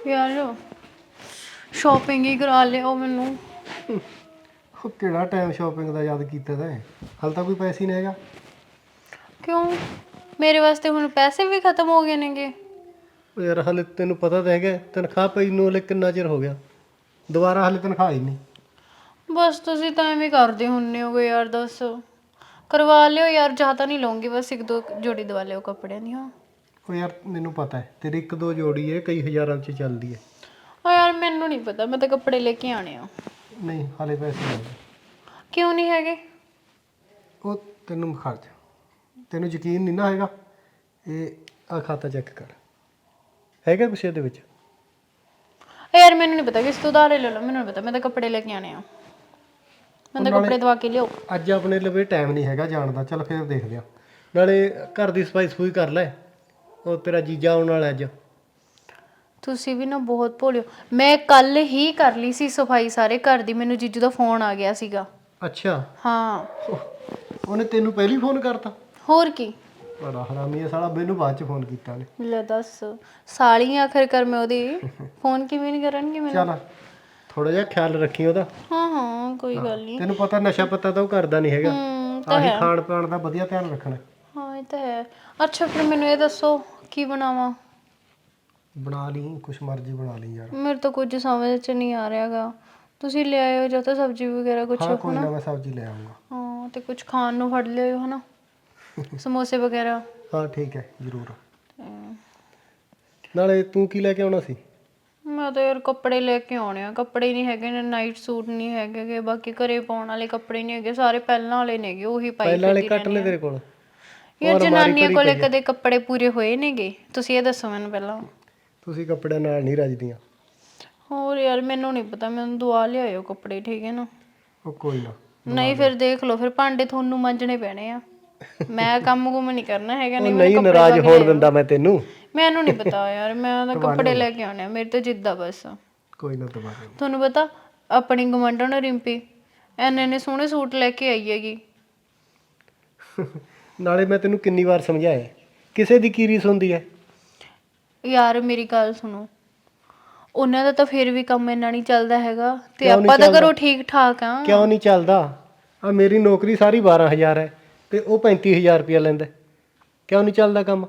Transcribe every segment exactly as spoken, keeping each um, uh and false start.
ਯਾਰ ਸ਼ਾਪਿੰਗ ਹੀ ਕਰਾ ਲਿਓ ਮੈਨੂੰ। ਉਹ ਕਿਹੜਾ ਟਾਈਮ ਸ਼ਾਪਿੰਗ ਦਾ ਯਾਦ ਕੀਤਾ ਤੈਂ? ਹਾਲੇ ਤਾਂ ਕੋਈ ਪੈਸੇ ਹੀ ਨਹੀਂ ਹੈਗਾ। ਕਿਉਂ? ਮੇਰੇ ਵਾਸਤੇ ਹੁਣ ਪੈਸੇ ਵੀ ਖਤਮ ਹੋ ਗਏ ਨੇਗੇ। ਉਹ ਯਾਰ ਹਾਲੇ ਤੈਨੂੰ ਪਤਾ ਤਾਂ ਹੈਗਾ ਤਨਖਾਹ ਪਈ ਨੂੰ ਹਲੇ ਕਿੰਨਾ ਚਿਰ ਹੋ ਗਿਆ, ਦੁਬਾਰਾ ਹਾਲੇ ਤਨਖਾਹ ਹੀ ਨਹੀਂ। ਬਸ ਤੁਸੀਂ ਤਾਂ ਐਵੇਂ ਕਰਦੇ ਹੁੰਨੇ ਹੋਗੇ ਯਾਰ। ਦੱਸ ਕਰਵਾ ਲਿਓ ਯਾਰ, ਜ਼ਿਆਦਾ ਨਹੀਂ ਲਊਂਗੀ, ਬਸ ਇੱਕ ਦੋ ਜੋੜੀ ਦਵਾ ਲਿਓ ਕੱਪੜਿਆਂ ਦੀ। ਹਾਂ ਉਹ ਯਾਰ ਮੈਨੂੰ ਪਤਾ ਹੈ ਤੇਰੀ ਇੱਕ ਦੋ ਜੋੜੀ ਹੈ, ਕਈ ਹਜ਼ਾਰਾਂ 'ਚ ਚੱਲਦੀ ਹੈ। ਹਾਂ ਯਾਰ ਮੈਨੂੰ ਨਹੀਂ ਪਤਾ, ਮੈਂ ਤਾਂ ਕੱਪੜੇ ਲੈ ਕੇ ਆਣੇ ਆ। ਨਹੀਂ ਹਾਲੇ ਪੈਸੇ ਨਹੀਂ ਹੈਗੇ। ਕਿਉਂ ਨਹੀਂ ਹੈਗੇ? ਉਹ ਤੈਨੂੰ ਖਰਚ ਤੈਨੂੰ ਯਕੀਨ ਨਹੀਂ ਨਾ ਹੈਗਾ, ਇਹ ਆ ਖਾਤਾ ਚੈੱਕ ਕਰ, ਹੈਗਾ ਕੁਛ ਇਹਦੇ ਵਿੱਚ? ਯਾਰ ਮੈਨੂੰ ਨਹੀਂ ਪਤਾ, ਕਿਸ ਤੋਂ ਉਧਾਰੇ ਲੈ ਲਓ, ਮੈਨੂੰ ਨਹੀਂ ਪਤਾ, ਮੈਂ ਤਾਂ ਕੱਪੜੇ ਲੈ ਕੇ ਆਣੇ ਆ। ਮੈਂ ਤਾਂ ਕੱਪੜੇ ਦਵਾ ਕੇ ਲਿਆਓ। ਅੱਜ ਆਪਣੇ ਲਵੇ ਟਾਈਮ ਨਹੀਂ ਹੈਗਾ ਜਾਣ ਦਾ, ਚੱਲ ਫਿਰ ਦੇਖਦੇ ਆ। ਨਾਲੇ ਘਰ ਦੀ ਸਫਾਈ ਸਫੂਈ ਕਰ ਲੈ, ਉਹ ਤੇਰਾ ਜੀਜਾ ਆਉਣ ਵਾਲਾ ਅੱਜ। ਤੁਸੀਂ ਵੀ ਨਾ ਬਹੁਤ ਭੋਲਿਓ। ਮੈਂ ਕੱਲ ਹੀ ਕਰ ਲਈ ਸੀ ਸਫਾਈ ਸਾਰੇ ਘਰ ਦੀ, ਮੈਨੂੰ ਜੀਜੂ ਦਾ ਫੋਨ ਆ ਗਿਆ ਸੀਗਾ। ਅੱਛਾ ਹਾਂ ਉਹਨੇ ਤੈਨੂੰ ਪਹਿਲੀ ਫੋਨ ਕਰਤਾ? ਹੋਰ ਕੀ। ਬੜਾ ਹਰਾਮੀ ਹੈ ਸਾਲਾ, ਮੈਨੂੰ ਬਾਅਦ ਚ ਫੋਨ ਕੀਤਾ ਨੇ। ਲੈ ਦੱਸ, ਸਾਲੀ ਆਖਰ ਕਰ ਮੈਂ ਉਹਦੀ, ਫੋਨ ਕਿਵੇਂ ਨਹੀਂ ਕਰਨਗੇ ਮੈਨੂੰ। ਚੱਲ ਥੋੜਾ ਜਿਹਾ ਖਿਆਲ ਰੱਖੀ ਉਹਦਾ। ਹਾਂ ਹਾਂ ਕੋਈ ਗੱਲ ਨਹੀਂ। ਤੈਨੂੰ ਪਤਾ ਨਸ਼ਾ ਪੱਤਾ ਤਾਂ ਉਹ ਕਰਦਾ ਨਹੀਂ ਹੈਗਾ, ਆਹੀ ਖਾਣ ਪਾਣ ਦਾ ਵਧੀਆ ਧਿਆਨ ਰੱਖਣਾ। ਹਾਂ ਇਹ ਤਾਂ ਹੈ। ਅੱਛਾ ਫਿਰ ਮੈਨੂੰ ਇਹ ਦੱਸੋ ਕੀ ਬਣਾਵਾਂ? ਬਣਾ ਲਈ ਕੁਛ ਮਰਜ਼ੀ ਬਣਾ ਲਈ ਯਾਰ। ਮੇਰੇ ਤਾਂ ਕੁਝ ਸਮਝ ਚ ਨਹੀਂ ਆ ਰਿਹਾਗਾ, ਤੁਸੀਂ ਲੈ ਆਇਓ ਜਾਂ ਤਾਂ ਸਬਜ਼ੀ ਵਗੈਰਾ ਕੁਛ। ਹਾਂ ਕੋਈ ਨਾ ਮੈਂ ਸਬਜ਼ੀ ਲੈ ਆਉਂਗਾ। ਹਾਂ ਤੇ ਕੁਝ ਖਾਣ ਨੂੰ ਫੜ ਲਿਓ ਹਨਾ, ਸਮੋਸੇ ਵਗੈਰਾ। ਹਾਂ ਠੀਕ ਹੈ ਜ਼ਰੂਰ। ਨਾਲੇ ਤੂੰ ਕੀ ਲੈ ਕੇ ਆਉਣਾ ਸੀ? ਮੈਂ ਤਾਂ ਯਾਰ ਕੱਪੜੇ ਲੈ ਕੇ ਆਉਣੇ ਆ, ਕੱਪੜੇ ਨਹੀਂ ਹੈਗੇ ਨੇ, ਨਾਈਟ ਸੂਟ ਨਹੀਂ ਹੈਗੇ, ਬਾਕੀ ਘਰੇ ਪਾਉਣ ਵਾਲੇ ਕੱਪੜੇ ਨਹੀਂ ਹੈਗੇ, ਸਾਰੇ ਪਹਿਲਾਂ ਵਾਲੇ ਨੇਗੇ, ਉਹੀ ਪਾਈ ਪਹਿਲਾਂ ਵਾਲੇ ਕੱਟ ਲੈ ਤੇਰੇ ਕੋਲ। ਯਾਰ ਜਨਾਨੀਆਂ ਕੋਲੇ ਕਦੇ ਕੱਪੜੇ ਪੂਰੇ ਹੋਏ ਨੇਗੇ? ਤੁਸੀਂ ਇਹ ਦੱਸੋ ਮੈਨੂੰ ਪਹਿਲਾਂ। ਤੁਸੀਂ ਕੱਪੜਿਆਂ ਨਾਲ ਨਹੀਂ ਰੱਜਦੀਆਂ। ਹੋਰ ਯਾਰ ਮੈਨੂੰ ਨਹੀਂ ਪਤਾ, ਮੈਨੂੰ ਦਵਾ ਲਿਆਇਓ ਕੱਪੜੇ, ਠੀਕ ਹੈ ਨਾ? ਉਹ ਕੋਈ ਨਾ। ਨਹੀਂ ਫਿਰ ਦੇਖ ਲਓ, ਫਿਰ ਭਾਂਡੇ ਤੁਹਾਨੂੰ ਮਾਂਜਣੇ ਪੈਣੇ ਆ, ਮੈਂ ਕੰਮ ਕੁਮ ਨਹੀਂ ਕਰਨਾ ਹੈਗਾ। ਨਹੀਂ ਨਹੀਂ ਨਾਰਾਜ਼ ਹੋਣ ਦਿੰਦਾ ਮੈਂ ਤੈਨੂੰ। ਮੈਨੂੰ ਨਹੀਂ ਪਤਾ ਯਾਰ, ਮੈਂ ਤਾਂ ਕੱਪੜੇ ਲੈ ਕੇ ਆਉਣੇ ਆ, ਮੇਰੇ ਤਾਂ ਜਿੱਦਾਂ ਬਸ। ਕੋਈ ਨਾ ਦਵਾ ਦੇ। ਤੁਹਾਨੂੰ ਪਤਾ ਆਪਣੀ ਗਵਾਂਢਣ ਰਿੰਪੀ ਐਨੇ ਐਨੇ ਸੋਹਣੇ ਸੂਟ ਲੈ ਕੇ ਆਈ ਹੈਗੀ। ਨਾਲੇ ਮੈਂ ਤੈਨੂੰ ਕਿੰਨੀ ਵਾਰ ਸਮਝਾਇਆ ਕਿਸੇ ਦੀ ਕੀ ਰੀਸ ਹੁੰਦੀ ਹੈ। ਯਾਰ ਮੇਰੀ ਗੱਲ ਸੁਣੋ, ਉਹਨਾਂ ਦਾ ਤਾਂ ਫਿਰ ਵੀ ਕੰਮ ਇੰਨਾ ਨਹੀਂ ਚੱਲਦਾ ਹੈਗਾ, ਤੇ ਆਪਾਂ ਤਾਂ ਘਰੋਂ ਠੀਕ ਠਾਕ ਆ। ਕਿਉਂ ਨਹੀਂ ਚੱਲਦਾ? ਆ ਮੇਰੀ ਨੌਕਰੀ ਸਾਰੀ ਬਾਰਾਂ ਹਜ਼ਾਰ ਹੈ ਤੇ ਉਹ ਪੈਂਤੀ ਹਜ਼ਾਰ ਰੁਪਇਆ ਲੈਂਦਾ, ਕਿਉਂ ਨਹੀਂ ਚੱਲਦਾ ਕੰਮ?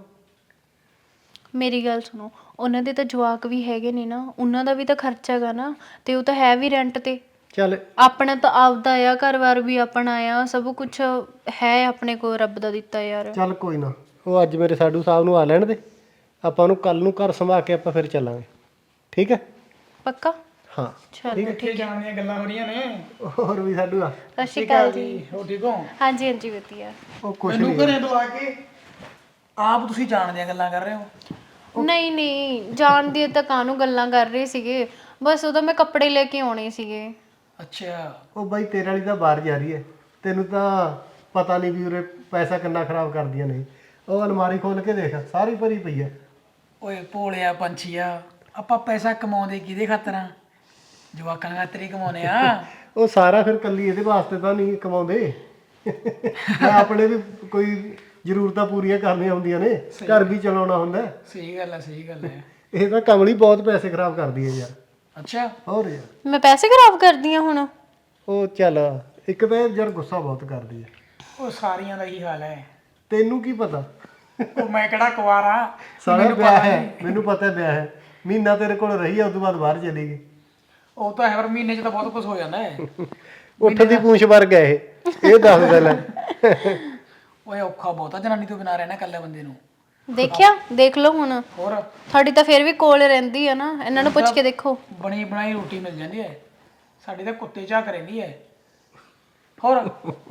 ਮੇਰੀ ਗੱਲ ਸੁਣੋ, ਉਹਨਾਂ ਦੇ ਤਾਂ ਜਵਾਕ ਵੀ ਹੈਗੇ ਨੇ ਨਾ, ਉਹਨਾਂ ਦਾ ਵੀ ਤਾਂ ਖਰਚਾ ਹੈਗਾ ਨਾ, ਤੇ ਉਹ ਤਾਂ ਹੈ ਵੀ ਰੈਂਟ ਤੇ। ਚੱਲ ਆਪਣਾ ਤਾਂ ਆਪਦਾ ਆ, ਘਰ-ਬਾਰ ਵੀ ਆਪਣਾ ਆ, ਸਭ ਕੁਝ ਹੈ ਆਪਣੇ ਕੋਲ ਰੱਬ ਦਾ ਦਿੱਤਾ ਯਾਰ। ਚੱਲ ਕੋਈ ਨਾ, ਉਹ ਅੱਜ ਮੇਰੇ ਸਾਡੂ ਸਾਹਿਬ ਨੂੰ ਆ ਲੈਣ ਦੇ, ਆਪਾਂ ਉਹਨੂੰ ਕੱਲ ਨੂੰ ਘਰ ਸੰਭਾਲ ਕੇ ਆਪਾਂ ਫਿਰ ਚੱਲਾਂਗੇ, ਠੀਕ ਹੈ? ਪੱਕਾ? ਹਾਂ ਚਲੋ ਠੀਕ ਹੈ। ਜਾਣ ਦੀਆਂ ਗੱਲਾਂ ਹੋ ਰਹੀਆਂ ਨੇ। ਹੋਰ ਵੀ ਸਾਡੂ ਆ। ਸਤਿ ਸ਼੍ਰੀ ਅਕਾਲ ਜੀ। ਹੋ ਠੀਕ ਹੋ? ਹਾਂਜੀ ਹਾਂਜੀ ਵਧੀਆ। ਉਹ ਕੁਛ ਮੈਨੂੰ ਨਹੀਂ। ਘਰੇ ਤੋਂ ਆ ਕੇ ਆਪ ਤੁਸੀਂ ਜਾਣ ਦੀਆਂ ਗੱਲਾਂ ਕਰ ਰਹੇ ਹੋ? ਨਹੀਂ ਨਹੀਂ ਜਾਣ ਦੀ ਤਾਂ ਕਾਹਨੂੰ ਗੱਲਾਂ ਕਰ ਰਹੇ ਸੀਗੇ, ਬਸ ਉਹਦਾ ਮੈਂ ਕੱਪੜੇ ਲੈ ਕੇ ਆਉਣੇ ਸੀਗੇ। ਅੱਛਾ। ਉਹ ਬਾਈ ਤੇਰੇ ਵਾਲੀ ਤਾਂ ਬਾਹਰ ਜਾ ਰਹੀ ਹੈ, ਤੈਨੂੰ ਤਾਂ ਪਤਾ ਨਹੀਂ ਵੀ ਉਰੇ ਪੈਸਾ ਕਿੰਨਾ ਖਰਾਬ ਕਰਦੀਆਂ ਨੇ। ਉਹ ਅਲਮਾਰੀ ਖੋਲ ਕੇ ਦੇਖ, ਸਾਰੀ ਭਰੀ ਪਈ ਹੈ। ਓਏ ਭੋਲਿਆ ਪੰਛੀਆ, ਆਪਾਂ ਪੈਸਾ ਕਮਾਉਂਦੇ ਕਿਹਦੇ ਖਾਤਰ ਆ? ਜਵਾਕਾਂ ਖਾਤਰ ਹੀ ਕਮਾਉਨੇ ਆ। ਉਹ ਸਾਰਾ ਫਿਰ ਕੱਲੀ ਇਹਦੇ ਵਾਸਤੇ ਤਾਂ ਨਹੀਂ ਕਮਾਉਂਦੇ, ਮੈਂ ਆਪਣੇ ਵੀ ਕੋਈ ਜ਼ਰੂਰਤਾਂ ਪੂਰੀਆਂ ਕਰਨੀਆਂ ਹੁੰਦੀਆਂ ਨੇ, ਘਰ ਵੀ ਚਲਾਉਣਾ ਹੁੰਦਾ। ਸਹੀ ਗੱਲ ਹੈ, ਸਹੀ ਗੱਲ ਹੈ। ਇਹ ਤਾਂ ਕਮਲੀ ਬਹੁਤ ਪੈਸੇ ਖਰਾਬ ਕਰਦੀ ਹੈ ਯਾਰ। ਅੱਛਾ। ਹੋਰ ਯਾਰ ਮੈਂ ਪੈਸੇ ਖਰਾਬ ਕਰਦੀ ਆ ਹੁਣ? ਉਹ ਚੱਲ ਇੱਕ ਤਾਂ ਯਾਰ ਗੁੱਸਾ ਬਹੁਤ ਕਰਦੀ ਹੈ। ਉਹ ਸਾਰੀਆਂ ਦਾ ਹੀ ਹਾਲ ਹੈ, ਤੈਨੂੰ ਕੀ ਪਤਾ? ਉਹ ਮੈਂ ਕਿਹੜਾ ਕੁਆਰਾ? ਸਾਰਾ ਵਿਆਹ ਹੈ, ਮੈਨੂੰ ਪਤਾ ਵਿਆਹ ਹੈ, ਮਹੀਨਾ ਤੇਰੇ ਕੋਲ ਰਹੀ ਆ, ਉਸ ਤੋਂ ਬਾਅਦ ਬਾਹਰ ਚਲੀ ਗਈ। ਉਹ ਤਾਂ ਹੈ, ਪਰ ਮਹੀਨੇ 'ਚ ਤਾਂ ਬਹੁਤ ਕੁਝ ਹੋ ਜਾਂਦਾ ਹੈ। ਉੱਠ ਦੀ ਪੂੰਛ ਵਰਗ ਹੈ ਇਹ, ਇਹ ਦੱਸ ਦੇ ਲੈ। ਓਏ ਔਖਾ ਬਹੁਤਾ ਜਨਾਨੀ ਤੋਂ ਬਿਨਾਂ ਰਹਿਣਾ ਇਕੱਲੇ ਬੰਦੇ ਨੂੰ। ਦੇਖਿਆ, ਦੇਖ ਲਓ ਹੁਣ। ਹੋਰ ਤੁਹਾਡੀ ਤਾਂ ਫਿਰ ਵੀ ਕੋਲ ਰਹਿੰਦੀ ਆ ਨਾ, ਇਹਨਾਂ ਨੂੰ ਪੁੱਛ ਕੇ ਦੇਖੋ। ਬਣੀ ਬਣਾਈ ਰੋਟੀ ਮਿਲ ਜਾਂਦੀ ਹੈ, ਸਾਡੀ ਤਾਂ ਕੁੱਤੇ ਝਾਕ ਰਹਿੰਦੀ ਹੈ। ਹੋਰ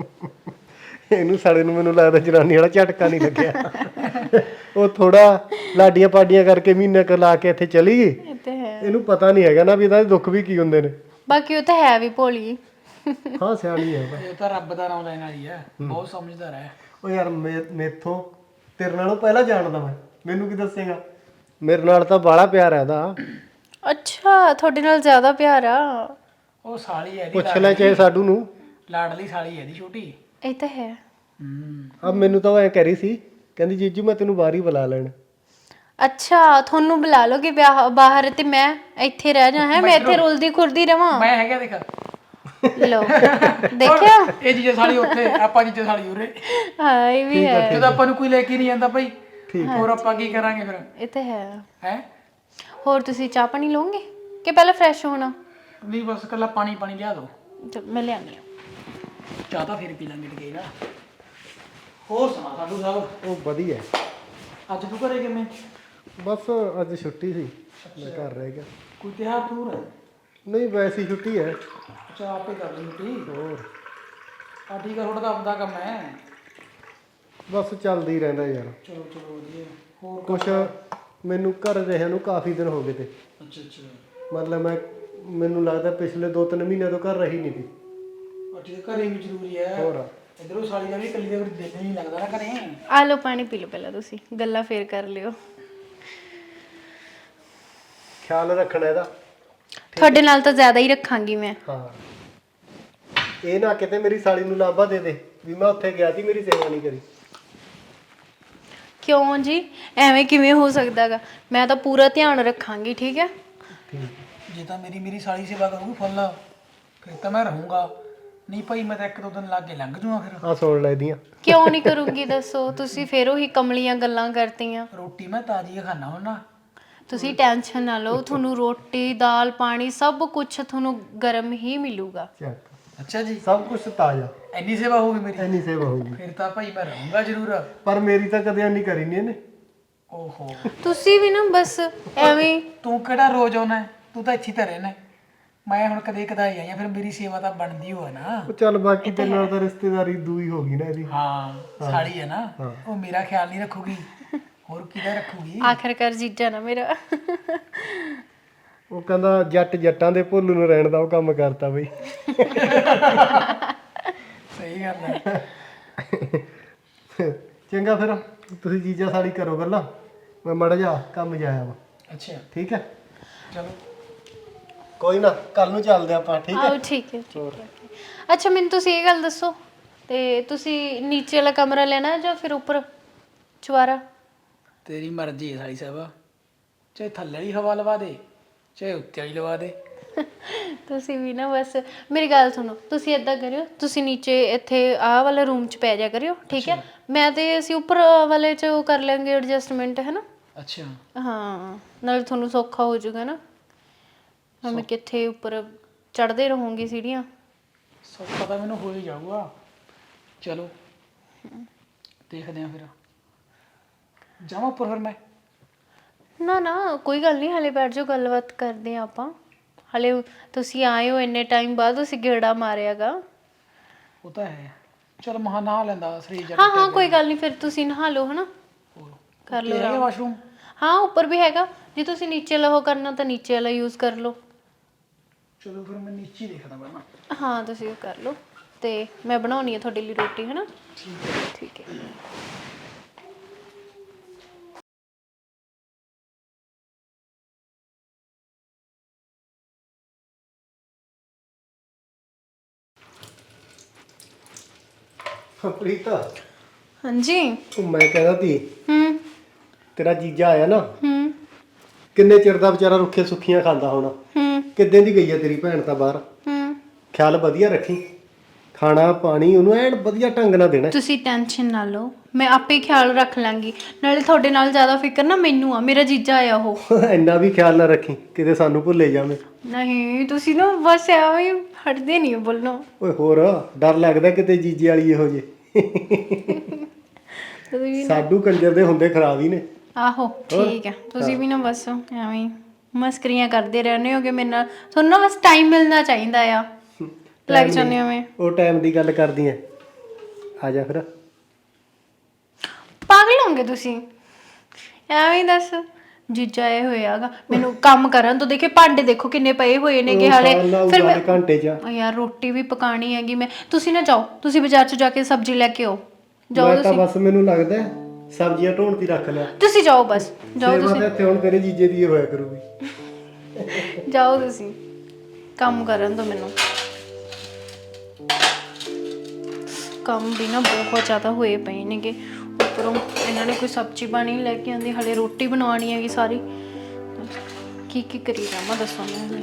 ਇਹਨੂੰ ਸਾਲੇ ਨੂੰ ਮੈਨੂੰ ਲੱਗਦਾ ਜਨਾਨੀ ਵਾਲਾ ਝਟਕਾ ਨਹੀਂ ਲੱਗਿਆ। ਉਹ ਥੋੜਾ ਲਾਡੀਆਂ ਪਾਡੀਆਂ ਕਰਕੇ ਮਹੀਨੇ ਕੁ ਲਾ ਕੇ ਇੱਥੇ ਚਲੀ ਗਈ। ਇਹ ਤੇ ਹੈ, ਇਹਨੂੰ ਪਤਾ ਨਹੀਂ ਹੈਗਾ ਨਾ ਵੀ ਇਹਦਾ ਦੁੱਖ ਵੀ ਕੀ ਹੁੰਦੇ ਨੇ। ਬਾਕੀ ਉਹ ਤਾਂ ਹੈ ਵੀ ਭੋਲੀ। ਹਾਂ ਸਿਆਣੀ ਹੈ। ਇਹ ਤਾਂ ਰੱਬ ਦਾ ਨਾਮ ਲੈਣ ਵਾਲੀ ਹੈ, ਬਹੁਤ ਸਮਝਦਾਰ ਹੈ। ਉਹ ਯਾਰ ਮੇ- ਮੇਥੋਂ ਤੇਰੇ ਨਾਲੋਂ ਪਹਿਲਾਂ ਜਾਣਦਾ ਮੈਂ, ਮੈਨੂੰ ਕੀ ਦੱਸੇਗਾ? ਮੇਰੇ ਨਾਲ ਤਾਂ ਬਾਹਲਾ ਪਿਆਰ ਹੈ ਇਹਦਾ। ਅੱਛਾ ਤੁਹਾਡੇ ਨਾਲ ਜ਼ਿਆਦਾ ਪਿਆਰ ਆ? ਉਹ ਸਾਲੀ ਹੈ ਇਹਦੀ, ਪੁੱਛ ਲੈ ਚਾਹੇ ਸਾਡੂ ਨੂੰ। ਲਾਡਲੀ ਸਾਲੀ ਹੈ ਇਹਦੀ ਛੋਟੀ। ਇਹ ਤਾਂ ਹੈ। ਹੂੰ। ਆ ਮੈਨੂੰ ਤਾਂ ਉਹ ਐ ਕਹਿ ਰਹੀ ਸੀ, ਕਹਿੰਦੀ ਜੀਜੂ ਮੈਂ ਤੈਨੂੰ ਬਾਹਰ ਹੀ ਬੁਲਾ ਲੈਣ। ਅੱਛਾ ਤੁਹਾਨੂੰ ਬੁਲਾ ਲੋਗੇ ਵਿਆਹ ਬਾਹਰ ਤੇ ਮੈਂ ਇੱਥੇ ਰਹਿ ਜਾ ਹੈ ਮੈਂ ਇੱਥੇ ਰੁਲਦੀ ਖੁਰਦੀ ਰਵਾਂ ਮੈਂ ਹੈਗਾ ਦੇਖ ਲੋ ਦੇਖਿਆ ਇਹ ਜੀਜੇ ਸਾਲੀ ਉੱਥੇ ਆਪਾਂ ਜੀਜੇ ਸਾਲੀ ਉਰੇ ਹਾਂ ਇਹ ਵੀ ਹੈ ਜਦੋਂ ਆਪਾਂ ਨੂੰ ਕੋਈ ਲੈ ਕੇ ਨਹੀਂ ਜਾਂਦਾ ਭਾਈ ਹੋਰ ਆਪਾਂ ਕੀ ਕਰਾਂਗੇ ਫਿਰ ਇਹ ਤੇ ਹੈ ਹੈ ਹੋਰ ਤੁਸੀਂ ਚਾਹ ਪਾਣੀ ਲਓਗੇ ਕਿ ਪਹਿਲਾਂ ਫਰੈਸ਼ ਹੋਣਾ ਨਹੀਂ ਬਸ ਕੱਲਾ ਪਾਣੀ ਪਾਣੀ ਲਿਆ ਦੋ ਚਲ ਮੈਂ ਲਿਆਉਂਦੀ ਹਾਂ ਚਾਹ ਤਾਂ ਫਿਰ ਪੀ ਲਾਂਗੇ ਟਕੇ ਨਾ ਹੋਰ ਸੁਣਾ ਸਾਡੂ ਸਾਹਿਬ ਉਹ ਵਧੀਆ ਅੱਜ ਤੂੰ ਘਰੇ ਕਿਵੇਂ ਬਸ ਅੱਜ ਛੁੱਟੀ ਸੀ ਮੈਂ ਘਰ ਰਹਿ ਗਿਆ ਕੋਈ ਤਿਉਹਾਰ ਤੂਰ ਹੈ ਨਹੀਂ ਵੈਸੀ ਛੁੱਟੀ ਹੈ ਅੱਛਾ ਆਪੇ ਕਰ ਲਈ ਛੁੱਟੀ ਹੋਰ ਆ ਠੀਕ ਆ ਥੋੜਾ ਤਾਂ ਆਪਦਾ ਕੰਮ ਹੈ ਬਸ ਚੱਲਦਾ ਹੀ ਰਹਿੰਦਾ ਯਾਰ ਚਲੋ ਚਲੋ ਵਧੀਆ ਹੋਰ ਕੁਛ ਮੈਨੂੰ ਘਰ ਰਹਿਣ ਨੂੰ ਕਾਫੀ ਦਿਨ ਹੋ ਗਏ ਤੇ ਅੱਛਾ ਅੱਛਾ ਮਤਲਬ ਮੈਂ ਮੈਨੂੰ ਲੱਗਦਾ ਪਿਛਲੇ ਦੋ ਤਿੰਨ ਮਹੀਨਿਆਂ ਤੋਂ ਘਰ ਰਹੀ ਨਹੀਂ ਸੀ ਆ ਠੀਕ ਘਰੇ ਵੀ ਜ਼ਰੂਰੀ ਹੈ ਹੋਰ ਇਧਰੋਂ ਸਾਲੀ ਦਾ ਵੀ ਇਕੱਲੀ ਦੇ ਦਿਲ ਨਹੀਂ ਲੱਗਦਾ ਨਾ ਘਰੇ ਆ ਲਓ ਪਾਣੀ ਪੀ ਲਓ ਪਹਿਲਾਂ ਤੁਸੀਂ ਗੱਲਾਂ ਫੇਰ ਕਰ ਲਿਓ ਖਿਆਲ ਰੱਖਣਾ ਇਹਦਾ ਤੁਹਾਡੇ ਨਾਲ ਤਾਂ ਜ਼ਿਆਦਾ ਹੀ ਰੱਖਾਂਗੀ ਮੈਂ ਹਾਂ ਇਹ ਨਾ ਕਿਤੇ ਮੇਰੀ ਸਾਲੀ ਨੂੰ ਲਾਂਭਾ ਦੇ ਦੇ ਵੀ ਮੈਂ ਉੱਥੇ ਗਿਆ ਸੀ ਮੇਰੀ ਸੇਵਾ ਨਹੀਂ ਕਰੀ ਕਿਉਂ ਜੀ ਐਵੇਂ ਕਿਵੇਂ ਹੋ ਸਕਦਾਗਾ ਮੈਂ ਤਾਂ ਪੂਰਾ ਧਿਆਨ ਰੱਖਾਂਗੀ ਠੀਕ ਹੈ ਜੇ ਤਾਂ ਮੇਰੀ ਮੇਰੀ ਸਾਲੀ ਸੇਵਾ ਕਰੂਗੀ ਫੁੱਲ ਫਿਰ ਤਾਂ ਮੈਂ ਰਹੂੰਗਾ ਨਹੀਂ ਭਾਈ ਮੈਂ ਤਾਂ ਇੱਕ ਦੋ ਦਿਨ ਲੱਗ ਕੇ ਲੰਘ ਜੂਆਂ ਫਿਰ ਆ ਸੁਣ ਲੈ ਇਹਦੀਆਂ ਕਿਉਂ ਨਹੀਂ ਕਰੂੰਗੀ ਦੱਸੋ ਤੁਸੀਂ ਫੇਰ ਉਹੀ ਕਮਲੀਆਂ ਗੱਲਾਂ ਕਰਤੀਆਂ ਰੋਟੀ ਮੈਂ ਤਾਜ਼ੀ ਖਾਣਾ ਹੁੰਦਾ ਤੁਸੀਂ ਟੈਨਸ਼ਨ ਨਾ ਲਓ ਤੁਹਾਨੂੰ ਰੋਟੀ ਦਾਲ ਪਾਣੀ ਸਭ ਕੁਝ ਤੁਹਾਨੂੰ ਗਰਮ ਹੀ ਮਿਲੂਗਾ ਚੱਕ ਅੱਛਾ ਜੀ ਸਭ ਕੁਝ ਤਾਜ਼ਾ ਇੰਨੀ ਸੇਵਾ ਹੋਊਗੀ ਮੇਰੀ ਇੰਨੀ ਸੇਵਾ ਹੋਊਗੀ ਫਿਰ ਤਾਂ ਭਾਈ ਮੈਂ ਰਹੂੰਗਾ ਜ਼ਰੂਰ ਪਰ ਮੇਰੀ ਤਾਂ ਕਦੇ ਨਹੀਂ ਕਰੀ ਨਹੀਂ ਇਹਨੇ ਓਹੋ ਤੁਸੀਂ ਵੀ ਨਾ ਬਸ ਐਵੇਂ ਤੂੰ ਕਿਹੜਾ ਰੋਜ਼ ਆਉਣਾ ਹੈ? ਤੂੰ ਤਾਂ ਇੱਥੇ ਹੀ ਤਾਂ ਰਹਿਣਾ ਹੈ। ਮੈਂ ਹੁਣ ਕਦੇ ਕਦਾਈ ਆਈ ਆ ਫਿਰ ਮੇਰੀ ਸੇਵਾ ਤਾਂ ਬਣਦੀ ਹੋਆ ਨਾ ਉਹ ਚੱਲ ਬਾਕੀ ਤੇਰੇ ਨਾਲ ਤਾਂ ਰਿਸ਼ਤੇਦਾਰੀ ਦੂਈ ਹੋ ਗਈ ਨਾ ਇਹਦੀ ਹਾਂ ਸਾਲੀ ਹੈ ਨਾ ਉਹ ਮੇਰਾ ਖਿਆਲ ਨਹੀਂ ਰੱਖੂਗੀ ਹੋਰ ਕਿਹਦਾ ਰੱਖੂਗੀ ਆਖਰਕਾਰ ਜੀਜਾ ਨਾ ਮੇਰਾ ਉਹ ਕਹਿੰਦਾ ਜੱਟ ਜੱਟਾਂ ਦੇ ਭੁੱਲ ਨੂੰ ਰਹਿਣ ਦਾ ਉਹ ਕੰਮ ਕਰਤਾ ਬਈ ਸਹੀ ਗੱਲ ਹੈ ਚੰਗਾ ਫਿਰ ਤੁਸੀਂ ਜੀਜਾ ਸਾਲੀ ਕਰੋ ਗੱਲਾਂ ਮੈਂ ਮੜ ਜਾ ਕੰਮ ਜਾਇਆ ਵਾ ਅੱਛਾ ਠੀਕ ਹੈ ਚਲੋ ਕੋਈ ਨਾ ਕੱਲ ਨੂੰ ਚੱਲਦੇ ਆਪਾਂ ਠੀਕ ਹੈ ਆਓ ਠੀਕ ਹੈ ਠੀਕ ਹੈ ਅੱਛਾ ਮੈਨੂੰ ਤੁਸੀਂ ਇਹ ਗੱਲ ਦੱਸੋ ਤੇ ਤੁਸੀਂ ਨੀਚੇ ਵਾਲਾ ਕਮਰਾ ਲੈਣਾ ਜਾਂ ਫਿਰ ਉੱਪਰ ਚੁਆਰਾ ਤੇਰੀ ਮਰਜ਼ੀ ਹੈ ਸਾਲੀ ਸਾਹਿਬ ਚਾਹੇ ਥੱਲੇ ਵਾਲੀ ਹਵਾ ਲਵਾ ਦੇ ਚਾਹੇ ਉੱਤੇ ਵਾਲੀ ਲਵਾ ਦੇ ਤੁਸੀਂ ਵੀ ਨਾ ਬਸ ਮੇਰੀ ਗੱਲ ਸੁਣੋ ਤੁਸੀਂ ਏਦਾਂ ਕਰਿਓ ਤੁਸੀਂ ਨੀਚੇ ਇੱਥੇ ਆਹ ਵਾਲੇ ਰੂਮ 'ਚ ਪੈ ਜਾ ਕਰਿਓ ਠੀਕ ਹੈ ਮੈਂ ਤੇ ਅਸੀਂ ਉੱਪਰ ਵਾਲੇ 'ਚ ਉਹ ਕਰ ਲਾਂਗੇ ਐਡਜਸਟਮੈਂਟ ਹੈ ਨਾ ਅੱਛਾ ਹਾਂ ਨਾਲ ਤੁਹਾਨੂੰ ਸੌਖਾ ਹੋ ਜਾਊਗਾ ਨਾ ਮੈਂ ਕਿੱਥੇ ਉੱਪਰ ਚੜਦੇ ਰਹੂੰਗੀ ਸੀੜੀਆਂ ਸਭ ਪਤਾ ਮੈਨੂੰ ਹੋ ਹੀ ਜਾਊਗਾ ਚਲੋ ਦੇਖਦੇ ਆ ਫਿਰ ਜਾਵਾਂ ਉੱਪਰ ਫਿਰ ਮੈਂ ਨਾ ਨਾ ਕੋਈ ਗੱਲ ਨਹੀਂ ਹਲੇ ਬੈਠ ਜਾਓ ਗੱਲਬਾਤ ਕਰਦੇ ਆ ਆਪਾਂ ਹਲੇ ਤੁਸੀਂ ਆਏ ਹੋ ਇੰਨੇ ਟਾਈਮ ਬਾਅਦ ਤੁਸੀਂ ਗੇੜਾ ਮਾਰਿਆਗਾ ਉਹ ਤਾਂ ਹੈ ਚਲ ਮਹਾ ਨਹਾ ਲੈਂਦਾ ਸਰੀਰ ਜਾ ਹਾਂ ਹਾਂ ਕੋਈ ਗੱਲ ਨਹੀਂ ਫਿਰ ਤੁਸੀਂ ਨਹਾ ਲਓ ਹਨਾ ਕਰ ਲਓ ਹੈਗਾ ਵਾਸ਼ਰੂਮ ਹਾਂ ਉੱਪਰ ਵੀ ਹੈਗਾ ਜੇ ਤੁਸੀਂ ਨੀਚੇ ਲਹੋ ਕਰਨਾ ਤਾਂ ਨੀਚੇ ਵਾਲਾ ਯੂਜ਼ ਕਰ ਲਓ ਚਲੋ ਫਿਰ ਮੈਂ ਨੀਚੇ ਹੀ ਦੇਖਦਾ ਪਹਿਲਾਂ ਹਾਂ ਤੁਸੀਂ ਉਹ ਕਰ ਲਓ ਤੇ ਮੈਂ ਬਣਾਉਣੀ ਹੈ ਤੁਹਾਡੇ ਲਈ ਰੋਟੀ ਹੈ ਨਾ ਠੀਕ ਹੈ ਠੀਕ ਹੈ ਪ੍ਰੀਤਾ ਹਾਂਜੀ ਉਹ ਮੈਂ ਕਹਿੰਦਾ ਤੀ ਹੂੰ ਤੇਰਾ ਜੀਜਾ ਆਇਆ ਨਾ ਹੂੰ ਕਿੰਨੇ ਚਿਰ ਦਾ ਵਿਚਾਰਾ ਰੁੱਖੇ ਸੁੱਖੀਆਂ ਖਾਂਦਾ ਹੋਣਾ ਹੂੰ ਕਿੱਦਾਂ ਦੀ ਗਈ ਆ ਤੇਰੀ ਭੈਣ ਤਾਂ ਬਾਹਰ ਹੂੰ ਖਿਆਲ ਵਧੀਆ ਰੱਖੀ ਖਾਣਾ ਪਾਣੀ ਉਹਨੂੰ ਐਨ ਵਧੀਆ ਢੰਗ ਨਾਲ ਦੇਣਾ ਤੁਸੀਂ ਟੈਨਸ਼ਨ ਨਾ ਲਓ ਮੈਂ ਆਪੇ ਖਿਆਲ ਰੱਖ ਲਾਂਗੀ ਨਾਲੇ ਤੁਹਾਡੇ ਨਾਲ ਜ਼ਿਆਦਾ ਫਿਕਰ ਨਾ ਮੈਨੂੰ ਆ ਮੇਰਾ ਜੀਜਾ ਆਇਆ ਉਹ ਇੰਨਾ ਵੀ ਖਿਆਲ ਨਾ ਰੱਖੀ ਕਿਤੇ ਸਾਨੂੰ ਭੁੱਲੇ ਜਾਵੇਂ ਨਹੀਂ ਤੁਸੀਂ ਨਾ ਬਸ ਐਵੇਂ ਹੀ ਹਟਦੇ ਨਹੀਂ ਬੋਲੋ ਓਏ ਹੋਰ ਡਰ ਲੱਗਦਾ ਕਿਤੇ ਜੀਜੇ ਵਾਲੀ ਇਹੋ ਜੇ ਤੁਸੀਂ ਸਾਡੂ ਕੰਜਰ ਦੇ ਹੁੰਦੇ ਖਰਾਬ ਹੀ ਨੇ ਆਹੋ ਠੀਕ ਹੈ ਤੁਸੀਂ ਵੀ ਨਾ ਬਸ ਐਵੇਂ ਹੀ ਮਸਕਰੀਆਂ ਕਰਦੇ ਰਹਿੰਦੇ ਹੋਗੇ ਮੇਰੇ ਨਾਲ ਤੁਹਾਨੂੰ ਨਾ ਬਸ ਟਾਈਮ ਮਿਲਣਾ ਚਾਹੀਦਾ ਆ ਲੱਗ ਜਾਂਦੇ ਹੋ ਮੈਂ ਉਹ ਟਾਈਮ ਦੀ ਗੱਲ ਕਰਦੀ ਐ ਆ ਜਾ ਫਿਰ ਪਾਗਲ ਹੋਗੇ ਤੁਸੀਂ ਐਵੇਂ ਹੀ ਦੱਸ ਜੀਜਾ ਇਹ ਹੋਇਆਗਾ ਮੈਨੂੰ ਕੰਮ ਕਰਨ ਤੋਂ ਦੇਖੇ ਭਾਂਡੇ ਦੇਖੋ ਕਿੰਨੇ ਪਏ ਹੋਏ ਨੇਗੇ ਹਾਲੇ ਫਿਰ ਮੈਂ ਘੰਟੇ ਚ ਆ ਯਾਰ ਰੋਟੀ ਵੀ ਪਕਾਣੀ ਹੈਗੀ ਮੈਂ ਤੁਸੀਂ ਨਾ ਜਾਓ ਤੁਸੀਂ ਬਾਜ਼ਾਰ 'ਚ ਜਾ ਕੇ ਸਬਜ਼ੀ ਲੈ ਕੇ ਆਓ ਜਾਓ ਮੈਂ ਤਾਂ ਤੁਸੀਂ ਬਸ ਮੈਨੂੰ ਲੱਗਦਾ ਸਬਜ਼ੀਆਂ ਢੋਣ ਦੀ ਰੱਖ ਲਿਆ ਤੁਸੀਂ ਜਾਓ ਬਸ ਜਾਓ ਸੇਵਾ ਤੁਸੀਂ ਤਾਂ ਇੱਥੇ ਹੁਣ ਤੇਰੇ ਜੀਜੇ ਦੀ ਹੋਇਆ ਕਰੂਗੀ ਜਾਓ ਤੁਸੀਂ ਕੰਮ ਕਰਨ ਦੋ ਮੈਨੂੰ ਕੰਮ ਵੀ ਨਾ ਬਹੁਤ ਜ਼ਿਆਦਾ ਹੋਏ ਪਏ ਨੇਗੇ ਉੱਪਰੋਂ ਇਹਨਾਂ ਨੇ ਕੋਈ ਸਬਜ਼ੀ ਪਾਣੀ ਲੈ ਕੇ ਆਂਦੀ, ਹਲੇ ਰੋਟੀ ਬਣਾਉਣੀ ਹੈਗੀ ਸਾਰੀ। ਕੀ ਕੀ ਕਰੀ ਜਾਵਾਂ ਦੱਸੋ ਮੈਂ।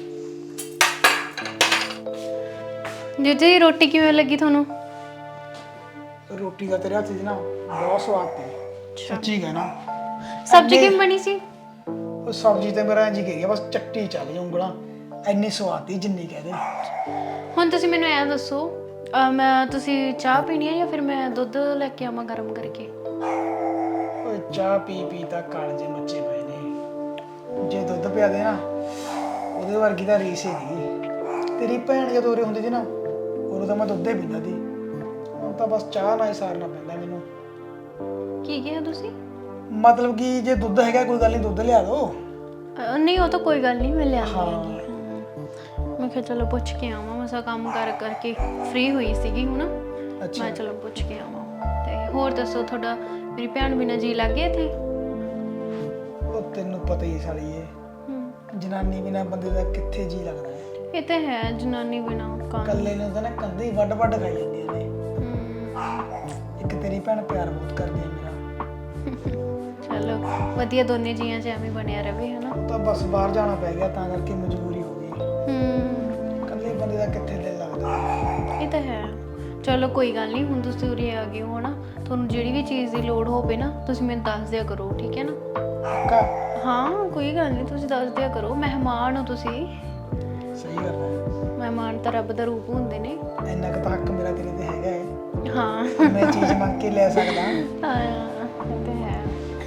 ਜੀਜੇ ਰੋਟੀ ਕਿਵੇਂ ਲੱਗੀ ਤੁਹਾਨੂੰ? ਰੋਟੀ ਦਾ ਤੇਰੇ ਹੱਥ ਦੀ ਨਾ ਬਹੁਤ ਸਵਾਦ ਤੀ, ਸੱਚੀ ਕਹਿਣਾ। ਸਬਜ਼ੀ ਕਿਵੇਂ ਬਣੀ ਸੀ? ਉਹ ਸਬਜ਼ੀ ਤੇ ਮੇਰਾ ਇੰਜ ਹੀ ਗਈ ਆ, ਬਸ ਚੱਟੀ ਚੱਲ ਜਾ ਉਂਗਲਾਂ, ਇੰਨੀ ਸਵਾਦ ਤੀ ਜਿੰਨੀ ਕਹਦੇ। ਹੁਣ ਤੁਸੀਂ ਮੈਨੂੰ ਐਂ ਦੱਸੋ, ਅਹ ਮੈਂ ਤੁਸੀਂ ਚਾਹ ਪੀਣੀ ਹੈ ਜਾਂ ਫਿਰ ਮੈਂ ਦੁੱਧ ਲੈ ਕੇ ਆਵਾਂ ਗਰਮ ਕਰਕੇ? ਓਏ ਚਾਹ ਪੀ ਪੀ ਤਾਂ ਕਾਲਜੇ ਮੱਚੇ ਪਏ ਨੇ। ਜੇ ਦੁੱਧ ਪਿਆ ਦੇ ਨਾ ਉਹਦੇ ਵਰਗੀ ਤਾਂ ਰੀਸ ਹੀ ਨਹੀਂ। ਤੇਰੀ ਭੈਣ ਜਦੋਂ ਉਰੇ ਹੁੰਦੀ ਸੀ ਨਾ ਉਦੋਂ ਤਾਂ ਮੈਂ ਦੁੱਧ ਹੀ ਪੀਂਦਾ ਸੀ, ਹੁਣ ਤਾਂ ਬਸ ਚਾਹ ਨਾਲ ਹੀ ਸਾਰਨਾ ਪੈਂਦਾ ਮੈਨੂੰ। ਕੀ ਕਿਹਾ ਤੁਸੀਂ? ਮਤਲਬ ਕਿ ਜੇ ਦੁੱਧ ਹੈਗਾ ਕੋਈ ਗੱਲ ਨਹੀਂ, ਦੁੱਧ ਲਿਆ ਦੋ। ਅਹ ਨਹੀਂ ਉਹ ਤਾਂ ਕੋਈ ਗੱਲ ਨਹੀਂ, ਮੈਂ ਲਿਆਂਦੀ ਹਾਂ। ਹੈਗੀ। ਮੈਂ ਕਿਹਾ ਚਲੋ ਪੁੱਛ ਕੇ ਆਵਾਂ, ਮਸਾ ਕੰਮ ਕਰ ਕਰਕੇ ਫ੍ਰੀ ਹੋਈ ਸੀਗੀ ਹੁਣ। ਅੱਛਾ ਮੈਂ ਚਲੋ ਪੁੱਛ ਕੇ ਆਵਾਂ। ਤੇ ਹੋਰ ਦੱਸੋ, ਤੁਹਾਡਾ ਮੇਰੀ ਭੈਣ ਬਿਨਾਂ ਜੀ ਲੱਗ ਗਿਆ ਇੱਥੇ? ਉਹ ਤੈਨੂੰ ਪਤਾ ਹੀ ਸਾਲੀ ਏ, ਜਨਾਨੀ ਬਿਨਾਂ ਬੰਦੇ ਦਾ ਕਿੱਥੇ ਜੀ ਲੱਗਦਾ ਹੈ। ਇਹ ਤਾਂ ਹੈ, ਜਨਾਨੀ ਬਿਨਾਂ ਕੰਮ। ਕੱਲੇ ਨੂੰ ਤਾਂ ਨਾ ਕੰਧੇ ਹੀ ਵੱਡ ਵੱਡ ਖਾਈ ਜਾਂਦੀਆਂ ਨੇ। ਇੱਕ ਤੇਰੀ ਭੈਣ ਪਿਆਰ ਬਹੁਤ ਕਰਦੀ ਹੈ ਮੇਰਾ। ਚਲੋ ਵਧੀਆ, ਦੋਨੇ ਜੀਆਂ 'ਚ ਐਵੇਂ ਬਣਿਆ ਰਵੇ ਹਨਾ। ਉਹ ਤਾਂ ਬਸ ਬਾਹਰ ਜਾਣਾ ਪੈ ਗਿਆ ਤਾਂ ਕਰਕੇ ਮਜਬੂਰੀ ਹੋ ਗਈ। ਹੂੰ ਕੱਲੇ ਬੰਦੇ ਦਾ ਕਿੱਥੇ ਦਿਲ ਲੱਗਦਾ। ਇਹ ਤਾਂ ਹੈ। ਚਲੋ ਕੋਈ ਗੱਲ ਨਹੀਂ, ਹੁਣ ਤੁਸੀਂ ਉਰੇ ਆ ਗਏ ਹੋ ਨਾ, ਤੁਹਾਨੂੰ ਜਿਹੜੀ ਵੀ ਚੀਜ਼ ਦੀ ਲੋੜ ਹੋਵੇ ਨਾ ਤੁਸੀਂ ਮੈਨੂੰ ਦੱਸ ਦਿਆ ਕਰੋ, ਠੀਕ ਹੈ ਨਾ? ਪੱਕਾ? ਹਾਂ ਕੋਈ ਗੱਲ ਨਹੀਂ, ਤੁਸੀਂ ਦੱਸ ਦਿਆ ਕਰੋ, ਮਹਿਮਾਨ ਹੋ ਤੁਸੀਂ। ਸਹੀ ਗੱਲ ਹੈ, ਮਹਿਮਾਨ ਤਾਂ ਰੱਬ ਦਾ ਰੂਪ ਹੁੰਦੇ ਨੇ। ਇੰਨਾ ਕੁ ਤਾਂ ਹੱਕ ਮੇਰਾ ਤੇਰੇ ਤੇ ਹੈਗਾ ਹੈ। ਹਾਂ ਮੈਂ ਚੀਜ਼ ਮੰਗ ਕੇ ਲੈ ਸਕਦਾ। ਹਾਂ ਇਹ ਤਾਂ ਹੈ।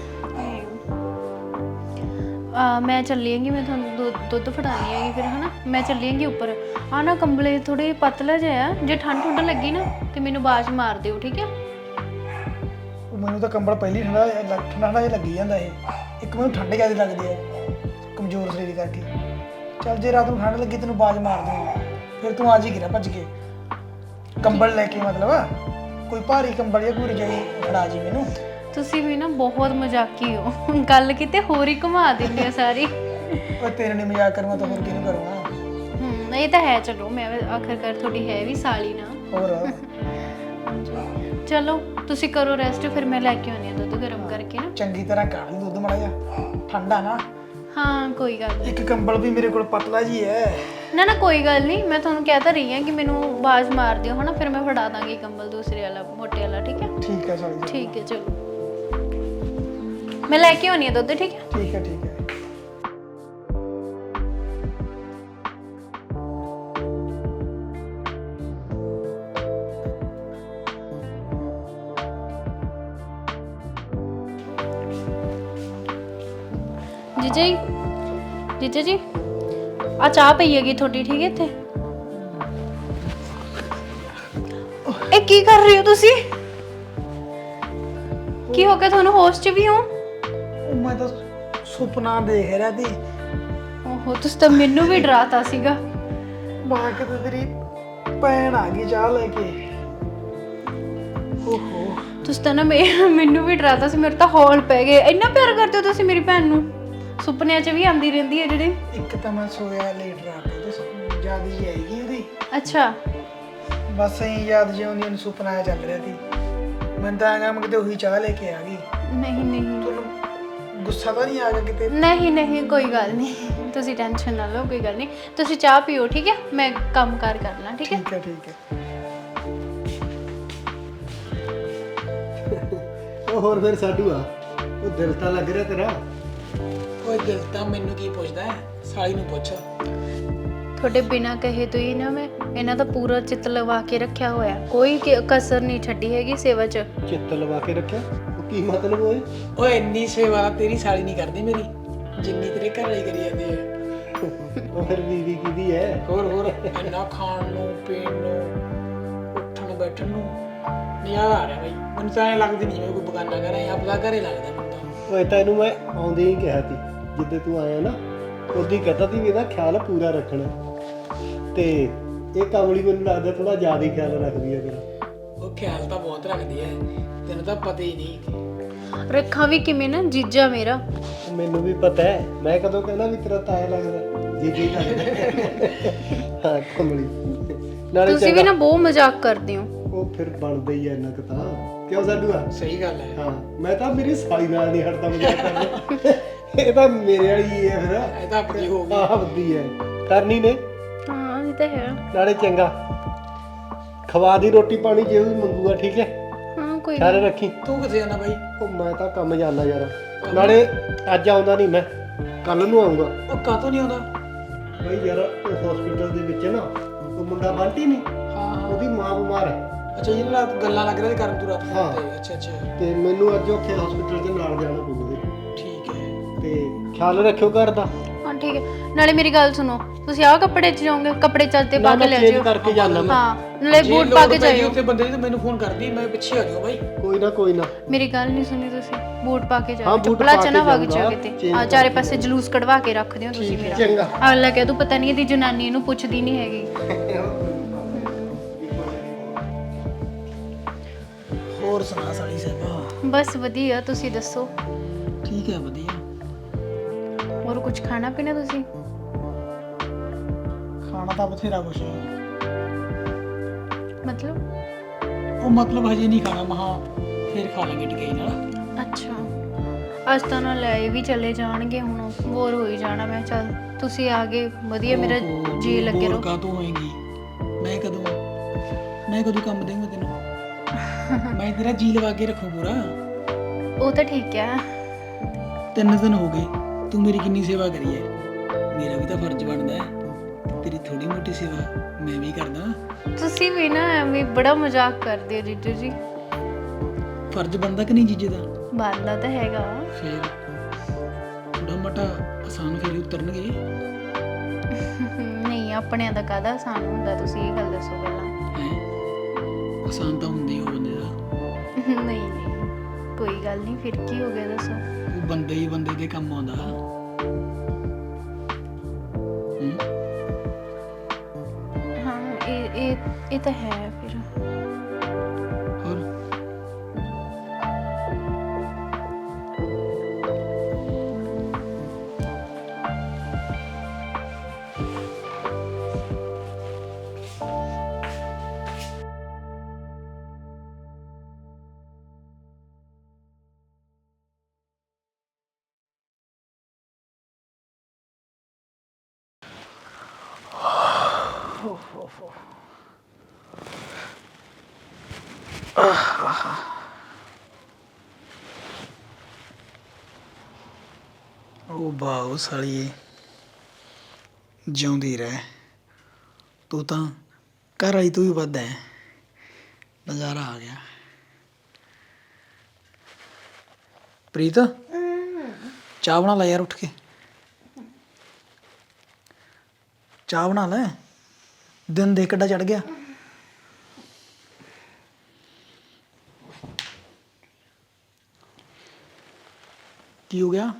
ਆ ਮੈਂ ਚੱਲੀ ਆਂਗੀ, ਮੈਂ ਤੁਹਾਨੂੰ ਦੁੱਧ ਦੁੱਧ ਫੜਾਉਣੀ ਹੈਗੀ ਫਿਰ ਹਨਾ। ਮੈਂ ਚੱਲੀ ਆਂਗੀ ਉੱਪਰ। ਆ ਨਾ ਕੰਬਲੇ ਥੋੜੇ ਪਤਲਾ ਜਿਹਾ, ਜੇ ਠੰਡ ਠੁੰਡ ਲੱਗੀ ਨਾ ਤੇ ਮੈਨੂੰ ਆਵਾਜ਼ ਮਾਰ ਦਿਓ, ਠੀਕ ਹੈ? ਉਹ ਮੈਨੂੰ ਤਾਂ ਕੰਬਲ ਪਹਿਲੀ ਠੰਡਾ ਠੰਡਾ ਠੰਡਾ ਜਿਹਾ ਲੱਗੀ ਜਾਂਦਾ ਇਹ। ਇੱਕ ਮੈਨੂੰ ਠੰਡ ਜ਼ਿਆਦਾ ਲੱਗਦੀ ਹੈ ਕਮਜ਼ੋਰ ਸਰੀਰ ਕਰਕੇ। ਚੱਲ ਜੇ ਰਾਤ ਨੂੰ ਠੰਡ ਲੱਗੀ ਤੈਨੂੰ ਆਵਾਜ਼ ਮਾਰ ਦੂੰਗਾ, ਫਿਰ ਤੂੰ ਆ ਜੀ ਗਿਰਾ ਭੱਜ ਕੇ ਕੰਬਲ ਲੈ ਕੇ। ਮਤਲਬ ਕੋਈ ਭਾਰੀ ਕੰਬਲ ਜਾਂ ਕੋਈ ਰਜਾਈ ਫੜਾ ਜੀ ਮੈਨੂੰ। ਤੁਸੀਂ ਵੀ ਨਾ ਬਹੁਤ ਮਜ਼ਾਕੀ ਹੋ, ਗੱਲ ਕਿਤੇ ਹੋਰ ਹੀ ਘੁਮਾ ਦਿੰਦੇ ਹੋ ਸਾਰੀ। ਉਹ ਤੇਰੇ ਨੇ ਮਜ਼ਾਕ ਕਰਨਾ ਤਾਂ ਹੋਰ ਕਿਹਨੂੰ ਕਰੂੰਗਾ। ਹੂੰ ਇਹ ਤਾਂ ਹੈ। ਚਲੋ ਮੈਂ ਆਖਰਕਾਰ ਤੁਹਾਡੀ ਹੈ ਵੀ ਸਾਲੀ ਨਾ। ਹੋਰ ਚਲੋ ਤੁਸੀਂ ਕਰੋ ਰੈਸਟ, ਫਿਰ ਮੈਂ ਲੈ ਕੇ ਆਉਂਦੀ ਹਾਂ ਦੁੱਧ ਗਰਮ ਕਰਕੇ ਨਾ। ਚੰਗੀ ਤਰ੍ਹਾਂ ਕਾੜ ਲਈ ਦੁੱਧ ਮਾੜਾ ਜਿਹਾ, ਠੰਡਾ ਨਾ। ਹਾਂ ਕੋਈ ਗੱਲ ਨਹੀਂ। ਇੱਕ ਕੰਬਲ ਵੀ ਮੇਰੇ ਕੋਲ ਪਤਲਾ ਜੀ ਹੈ। ਨਾ ਨਾ ਕੋਈ ਗੱਲ ਨਹੀਂ, ਮੈਂ ਤੁਹਾਨੂੰ ਕਹਿ ਤਾਂ ਰਹੀ ਹਾਂ ਕਿ ਮੈਨੂੰ ਆਵਾਜ਼ ਮਾਰ ਦਿਓ ਹਨਾ, ਫਿਰ ਮੈਂ ਫੜਾ ਦਾਂਗੀ ਕੰਬਲ ਦੂਸਰੇ ਵਾਲਾ, ਮੋਟੇ ਵਾਲਾ, ਠੀਕ ਹੈ? ਠੀਕ ਹੈ ਸਾਲੀ ਜੀ। ਠੀਕ ਹੈ ਚਲੋ ਮੈਂ ਲੈ ਕੇ ਆਉਣੀ ਆ ਦੁੱਧ, ਠੀਕ ਹੈ? ਠੀਕ ਹੈ ਠੀਕ ਹੈ। ਜੀਜਾ ਜੀ, ਜੀਜਾ ਜੀ ਆ ਚਾਹ ਪਈ ਹੈਗੀ ਤੁਹਾਡੀ, ਠੀਕ ਹੈ? ਇੱਥੇ ਇਹ ਕੀ ਕਰ ਰਹੇ ਹੋ ਤੁਸੀਂ? ਕੀ ਹੋ ਗਿਆ ਤੁਹਾਨੂੰ? ਹੋਸ਼ 'ਚ ਵੀ ਹੋ? ਉਹ ਮੈਂ ਤਾਂ ਸੁਪਨਾ ਦੇਖ ਰਿਹਾ ਸੀ। ਓਹੋ ਤੁਸੀਂ ਤਾਂ ਮੈਨੂੰ ਵੀ ਡਰਾਤਾ ਸੀਗਾ। ਮਾਂ ਕਿਤੇ ਤੇਰੀ ਭੈਣ ਆ ਗਈ ਚਾਹ ਲੈ ਕੇ। ਓਹੋ ਤੁਸੀਂ ਤਾਂ ਨਾ ਮੇ- ਮੈਨੂੰ ਵੀ ਡਰਾਤਾ ਸੀ, ਮੇਰੇ ਤਾਂ ਹੌਲ ਪੈ ਗਏ। ਇੰਨਾ ਪਿਆਰ ਕਰਦੇ ਹੋ ਤੁਸੀਂ ਮੇਰੀ ਭੈਣ ਨੂੰ? ਸੁਪਨਿਆਂ 'ਚ ਵੀ ਆਂਦੀ ਰਹਿੰਦੀ ਹੈ ਜਿਹੜੇ। ਇੱਕ ਤਾਂ ਮੈਂ ਸੋਇਆ ਲੇਟ ਰਾਤ ਤੇ ਤੇ ਯਾਦ ਜੀ ਆਏਗੀ ਉਹਦੀ। ਅੱਛਾ ਬਸ ਐਂ ਯਾਦ ਜਿਉਂ ਉਹਨੂੰ ਨੂੰ ਸੁਪਨਾ ਆਇਆ ਚੱਲ ਰਿਹਾ ਸੀ। ਮੈਨੂੰ ਤਾਂ ਆਗਾ ਮੈਂ ਕਿਤੇ ਉਹੀ ਚਾਹ ਲੈ ਕੇ ਆ ਗਈ। ਨਹੀਂ ਨਹੀਂ ਤੁਹਾਨੂੰ ਗੁੱਸਾ ਤਾਂ ਨਹੀਂ ਆ ਗਿਆ ਕਿਤੇ? ਨਹੀਂ ਨਹੀਂ ਕੋਈ ਗੱਲ ਨਹੀਂ, ਤੁਸੀਂ ਟੈਨਸ਼ਨ ਨਾ ਲਓ, ਕੋਈ ਗੱਲ ਨਹੀਂ। ਤੁਸੀਂ ਚਾਹ ਪੀਓ, ਠੀਕ ਹੈ? ਮੈਂ ਕੰਮ ਕਾਰ ਕਰ ਲਾਂ, ਠੀਕ ਹੈ? ਠੀਕ ਹੈ ਠੀਕ ਹੈ। ਉਹ ਹੋਰ ਫਿਰ ਸਾਡੂ ਆ, ਉਹ ਦਿਲ ਤਾਂ ਲੱਗ ਰਿਹਾ ਤੇਰਾ? ਓਏ ਦਿਲ ਤਾਂ ਮੈਨੂੰ ਕੀ ਪੁੱਛਦਾ ਹੈ, ਸਾਲੀ ਨੂੰ ਪੁੱਛ। ਤੁਹਾਡੇ ਬਿਨਾਂ ਕਹੇ ਤੋਂ ਹੀ ਨਾ ਮੈਂ ਇਹਨਾਂ ਦਾ ਪੂਰਾ ਚਿੱਤ ਲਵਾ ਕੇ ਰੱਖਿਆ ਹੋਇਆ, ਕੋਈ ਕ- ਕਸਰ ਨਹੀਂ ਛੱਡੀ ਹੈਗੀ ਸੇਵਾ 'ਚ। ਚਿੱਤ ਲਵਾ ਕੇ ਰੱਖਿਆ? ਉਹ ਕੀ ਮਤਲਬ ਓਏ? ਓਏ ਇੰਨੀ ਸੇਵਾ ਤੇਰੀ ਸਾਲੀ ਨਹੀਂ ਕਰਦੀ ਮੇਰੀ, ਜਿੰਨੀ ਤੇਰੇ ਘਰ ਵਾਲੀ ਕਰੀ ਜਾਂਦੀ ਹੈ। ਉਹ ਫਿਰ ਬੀਵੀ ਕਿਹਦੀ ਹੈ? ਹੋਰ ਹੋਰ ਇੰਨਾ ਖਾਣ ਨੂੰ ਪੀਣ ਨੂੰ ਉੱਠਣ ਬੈਠਣ ਨੂੰ ਨਜ਼ਾਰਾ ਆ ਰਿਹਾ ਬਈ। ਮੈਨੂੰ ਤਾਂ ਐਂ ਲੱਗਦੀ ਨਹੀਂ ਜਿਵੇਂ ਕੋਈ ਬਗਾਨਾ ਘਰ ਹੈ, ਆਪਣਾ ਘਰੇ ਲੱਗਦਾ ਮੈਨੂੰ ਤਾਂ। ਓਏ ਤੈਨੂੰ ਮੈਂ ਆਉਂਦੇ ਹੀ ਕਿਹਾ ਸੀ, ਜਿੱਦੇ ਤੂੰ ਆਇਆ ਨਾ ਉਹਦੀ ਕਹਤਾ ਸੀ ਵੀ ਇਹਦਾ ਖਿਆਲ ਪੂਰਾ ਰੱਖਣਾ। ਤੇ ਇਹ ਕਮਲੀ ਮੈਨੂੰ ਲੱਗਦਾ ਥੋੜਾ ਜ਼ਿਆਦਾ ਹੀ ਖਿਆਲ ਰੱਖਦੀ ਹੈ ਤੇਰਾ। ਉਹ ਖਿਆਲ ਤਾਂ ਬਹੁਤ ਰੱਖਦੀ ਹੈ, ਤੈਨੂੰ ਤਾਂ ਪਤਾ ਹੀ ਨਹੀਂ। ਰੱਖਾਂ ਵੀ ਕਿਵੇਂ ਨਾ, ਜੀਜਾ ਮੇਰਾ। ਮੈਨੂੰ ਵੀ ਪਤਾ ਹੈ, ਮੈਂ ਕਦੋਂ ਕਹਿੰਦਾ ਵੀ ਤੇਰਾ ਤਾਇਆ ਲੱਗਦਾ, ਜੀ ਜੀ ਲੱਗਦਾ। ਹਾਂ ਕਮਲੀ ਨਾਲੇ ਤੁਸੀਂ ਵੀ ਚੰਗਾ- ਨਾ ਬਹੁਤ ਮਜ਼ਾਕ ਕਰਦੇ ਹੋ। ਉਹ ਫਿਰ ਬਣਦਾ ਹੀ ਐ ਇੰਨਾ ਕੁ ਤਾਂ। ਕਿਉਂ ਸਾਡੂਆ ਸਹੀ ਗੱਲ ਹੈ। ਹਾਂ ਮੈਂ ਤਾਂ ਮੇਰੀ ਸਾਲੀ ਨਾਲ ਨਹੀਂ ਹਟਦਾ ਮਜ਼ਾਕ ਕਰਨਾ ਇਹ ਤਾਂ ਮੇਰੇ ਵਾਲੀ ਹੀ ਹੈ ਫਿਰ ਇਹ ਤਾਂ ਆਪਣੀ ਹੋ ਗਈ। ਆਹ ਵੱਡੀ ਹੈ ਕਰਨੀ ਨੇ ਹਾਂ ਇਹ ਤਾਂ ਹੈ। ਨਾਲੇ ਚੰਗਾ ਖਵਾ ਦੀ ਰੋਟੀ ਪਾਣੀ ਜੇ ਵੀ ਮੰਗੂਗਾ ਠੀਕ ਹੈ ਹਾਂ ਕੋਈ ਖਿਆਲ ਰੱਖੀ। ਤੂੰ ਕਿੱਥੇ ਜਾਣਾ ਬਾਈ? ਉਹ ਮੈਂ ਤਾਂ ਕੰਮ ਜਾਂਦਾ ਯਾਰ ਨਾਲੇ ਅੱਜ ਆਉਂਦਾ ਨਹੀਂ ਮੈਂ ਕੱਲ ਨੂੰ ਆਉਂਗਾ। ਉਹ ਕਾਤੋਂ ਨਹੀਂ ਆਉਂਦਾ? ਬਈ ਯਾਰ ਉਹ ਹਸਪੀਟਲ ਦੇ ਵਿੱਚ ਨਾ ਉਹ ਮੁੰਡਾ ਬੰਟੀ ਨਹੀਂ ਹਾਂ ਹਾਂ। ਉਹਦੀ ਮਾਂ ਬਿਮਾਰ ਹੈ ਅੱਛਾ ਇਹ ਰਾਤ ਗੱਲਾਂ ਲੱਗ ਰਹੀਆਂ ਸੀ ਕਰਨ ਤੂੰ ਰਾਤ ਨੂੰ ਹਾਂ। ਤੇ ਅੱਛਾ ਅੱਛਾ ਤੇ ਮੈਨੂੰ ਅੱਜ ਉੱਥੇ ਹਸਪੀਟਲ ਦੇ ਨਾਲ ਜਾਣਾ ਪਊਗਾ ਠੀਕ ਹੈ। ਤੇ ਖਿਆਲ ਰੱਖਿਓ ਘਰ ਦਾ। ਹਾਂ ਠੀਕ ਹੈ। ਨਾਲੇ ਮੇਰੀ ਗੱਲ ਸੁਣੋ, ਤੁਸੀਂ ਆਹ ਕੱਪੜੇ 'ਚ ਜਾਓਗੇ? ਕੱਪੜੇ ਚੱਲਦੇ ਪਾ ਕੇ ਲੈ ਚੇਂਜ ਜਿਓ। ਕਰਕੇ ਜਾਣਾ ਮੈਂ ਹਾਂ ਨਾਲੇ ਜੇ ਬੂਟ ਲੋੜ ਪਾ ਕੇ ਪੈ ਗਈ ਜਾਇਓ। ਉੱਥੇ ਬੰਦੇ ਦੀ ਤਾਂ ਮੈਨੂੰ ਫੋਨ ਕਰਦੀ, ਮੈਂ ਪਿੱਛੇ ਆ ਜਾਊਂ ਬਾਈ। ਕੋਈ ਨਾ ਕੋਈ ਨਾ ਮੇਰੀ ਗੱਲ ਨਹੀਂ ਸੁਣੀ ਤੁਸੀਂ? ਬੂਟ ਪਾ ਕੇ ਹਾਂ, ਜਾਓ, ਬੂਟ ਚੱਪਲਾਂ ਪਾ ਚ ਕੇ ਨਾ ਵਗ ਜਾਊਂਗਾ, ਜਾਓ ਕਿਤੇ। change ਆ ਚਾਰੇ ਪਾਸੇ ਜਲੂਸ ਕਢਵਾ ਕੇ ਰੱਖਦੇ ਹੋ ਤੁਸੀਂ ਠੀਕ ਹੈ, ਮੇਰਾ। ਚੰਗਾ। ਅਗਲਾ ਕਹਿ ਤੂੰ ਪਤਾ ਨਹੀਂ ਇਹਦੀ ਜਨਾਨੀ ਇਹਨੂੰ ਪੁੱਛਦੀ ਨਹੀਂ ਹੈਗੀ। ਹੋਰ ਸੁਣਾ ਸਾਲੀ ਸਾਹਿਬਾ? ਬਸ ਵਧੀਆ, ਤੁਸੀਂ ਦੱਸੋ? ਠੀਕ ਹੈ ਵਧੀਆ। ਹੋਰ ਕੁਝ ਖਾਣਾ ਪੀਣਾ ਤੁਸੀਂ? ਖਾਣਾ ਤਾਂ ਬਥੇਰਾ ਕੁਛ ਹੈ। ਮਤਲਬ? ਉਹ ਮਤਲਬ ਹਜੇ ਨਹੀਂ ਖਾਣਾ, ਮਹਾ ਫਿਰ ਖਾ ਲਾਂਗੇ ਟਿਕਾਈ ਨਾਲ। ਅੱਛਾ ਅੱਜ ਤਾਂ ਨਾ ਲੈ ਵੀ ਚਲੇ ਜਾਣਗੇ, ਹੁਣ ਬੋਰ ਹੋਈ ਜਾਣਾ। ਮੈਂ ਚੱਲ ਤੁਸੀਂ ਆ ਗਏ ਵਧੀਆ, ਮੇਰਾ ਓਹੋ, ਜੀ ਤੂੰ ਲੱਗੇ ਬੋਰ ਰਹੋ। ਕਾਹਤੋਂ ਹੋਏਗੀ? ਮੈਂ ਕਦੋਂ ਮੈਂ ਕਦੋਂ ਕੰਮ ਦੇਵਾਂ ਤੈਨੂੰ? ਮੈਂ ਤੇਰਾ ਜੀ ਲਵਾ ਕੇ ਰੱਖੂ ਪੂਰਾ। ਉਹ ਤਾਂ ਠੀਕ ਹੈ। ਤਿੰਨ ਦਿਨ ਹੋ ਗਏ ਤੂੰ ਮੇਰੀ ਕਿੰਨੀ ਸੇਵਾ ਕਰੀ ਹੈ। ਮੇਰਾ ਵੀ ਤਾਂ ਫਰਜ਼ ਬਣਦਾ ਹੈ ਤੇਰੀ ਥੋੜੀ ਮੋਟੀ ਸੇਵਾ ਮੈਂ ਵੀ ਕਰਦਾ। ਤੁਸੀਂ ਵੀ ਨਾ ਐਵੇਂ ਬੜਾ ਮਜ਼ਾਕ ਕਰਦੇ ਹੋ ਜੀਜੂ ਜੀ। ਫਰਜ਼ ਬਣਦਾ ਕਿ ਨਹੀਂ ਜੀਜੇ ਦਾ? ਬਣਦਾ ਤਾਂ ਹੈਗਾ। ਫਿਰ ਥੋੜਾ ਮੋਟਾ ਆਸਾਨ ਫੇਰੇ ਉਤਰਨਗੇ। ਨਹੀਂ ਆਪਣਿਆਂ ਦਾ ਕਾਹਦਾ ਆਸਾਨ ਹੁੰਦਾ, ਤੁਸੀਂ ਇਹ ਗੱਲ ਦੱਸੋ ਪਹਿਲਾਂ। ਹੈ ਆਸਾਨ ਤਾਂ ਹੁੰਦੀ ਉਹ ਬੰਦੇ ਦਾ। ਨਹੀਂ ਨਹੀਂ ਕੋਈ ਗੱਲ ਨਹੀਂ, ਫਿਰ ਕੀ ਹੋ ਗਿਆ ਦੱਸੋ? ਉਹ ਬੰਦੇ ਹੀ ਬੰਦੇ ਦੇ ਕੰਮ ਆਉਂਦਾ। ਹੂੰ ਹਾਂ ਇਹ ਇਹ ਇਹ ਤਾਂ ਹੈ ਫਿਰ। ਹੋਰ ਉਹ ਬਾਉ ਸਾਲੀਏ ਜਿਉਂਦੀ ਰਹਿ। ਤੂੰ ਤਾਂ ਘਰ ਵਾਲੀ ਤੂੰ ਵੀ ਵੱਧ ਹੈ। ਨਜ਼ਾਰਾ ਆ ਗਿਆ। ਪ੍ਰੀਤ ਚਾਹ ਬਣਾ ਲੈ ਯਾਰ ਉੱਠ ਕੇ। ਚਾਹ ਬਣਾ ਲੈ, ਦਿਨ ਦੇਖ ਕਿੱਡਾ ਚੜ ਗਿਆ। ਕੀ ਹੋ ਗਿਆ?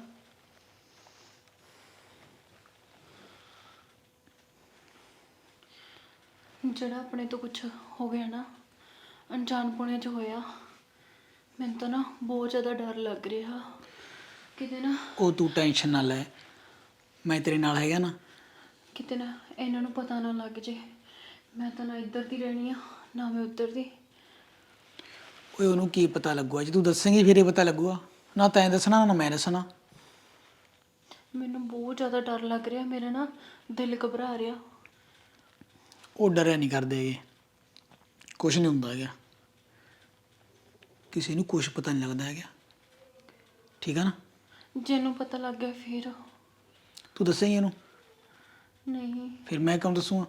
ਜਿਹੜਾ ਆਪਣੇ ਤੋਂ ਕੁਝ ਹੋ ਗਿਆ ਨਾ, ਅਣਜਾਣਪੁਣੇ ਚ ਹੋਇਆ, ਮੈਨੂੰ ਤਾਂ ਨਾ ਬਹੁਤ ਜ਼ਿਆਦਾ ਡਰ ਲੱਗ ਰਿਹਾ ਕਿਤੇ ਨਾ ਉਹ ਤੂੰ ਟੈਨਸ਼ਨ ਨਾ ਲੈ, ਮੈਂ ਤੇਰੇ ਨਾਲ ਹੈਗਾ ਨਾ। ਕਿਤੇ ਨਾ ਇਹਨਾਂ ਨੂੰ ਪਤਾ ਨਾ ਲੱਗ ਜੇ। ਮੈਂ ਤਾਂ ਨਾ ਇੱਧਰ ਦੀ ਰਹਿਣੀ ਆ ਨਾ ਮੈਂ ਉੱਧਰ ਦੀ। ਓਏ ਉਹਨੂੰ ਕੀ ਪਤਾ ਲੱਗੂਗਾ? ਜੇ ਤੂੰ ਦੱਸੇਂਗੀ ਫਿਰ ਇਹ ਪਤਾ ਲੱਗੂਗਾ। ਨਾ ਤੈਂ ਦੱਸਣਾ ਨਾ ਮੈਂ ਦੱਸਣਾ। ਮੈਨੂੰ ਬਹੁਤ ਜ਼ਿਆਦਾ ਡਰ ਲੱਗ ਰਿਹਾ, ਮੇਰਾ ਨਾ ਦਿਲ ਘਬਰਾ ਰਿਹਾ। ਉਹ ਡਰਿਆ ਨਹੀਂ ਕਰਦੇ ਹੈਗੇ, ਕੁਛ ਨਹੀਂ ਹੁੰਦਾ ਹੈਗਾ। ਕਿਸੇ ਨੂੰ ਕੁਛ ਪਤਾ ਨਹੀਂ ਲੱਗਦਾ ਹੈਗਾ, ਠੀਕ ਆ ਨਾ? ਜਿਹਨੂੰ ਪਤਾ ਲੱਗ ਗਿਆ ਫਿਰ? ਤੂੰ ਦੱਸੇਂਗੀ ਇਹਨੂੰ? ਨਹੀਂ ਫਿਰ ਮੈਂ ਕਿਉਂ ਦੱਸੂਗਾ?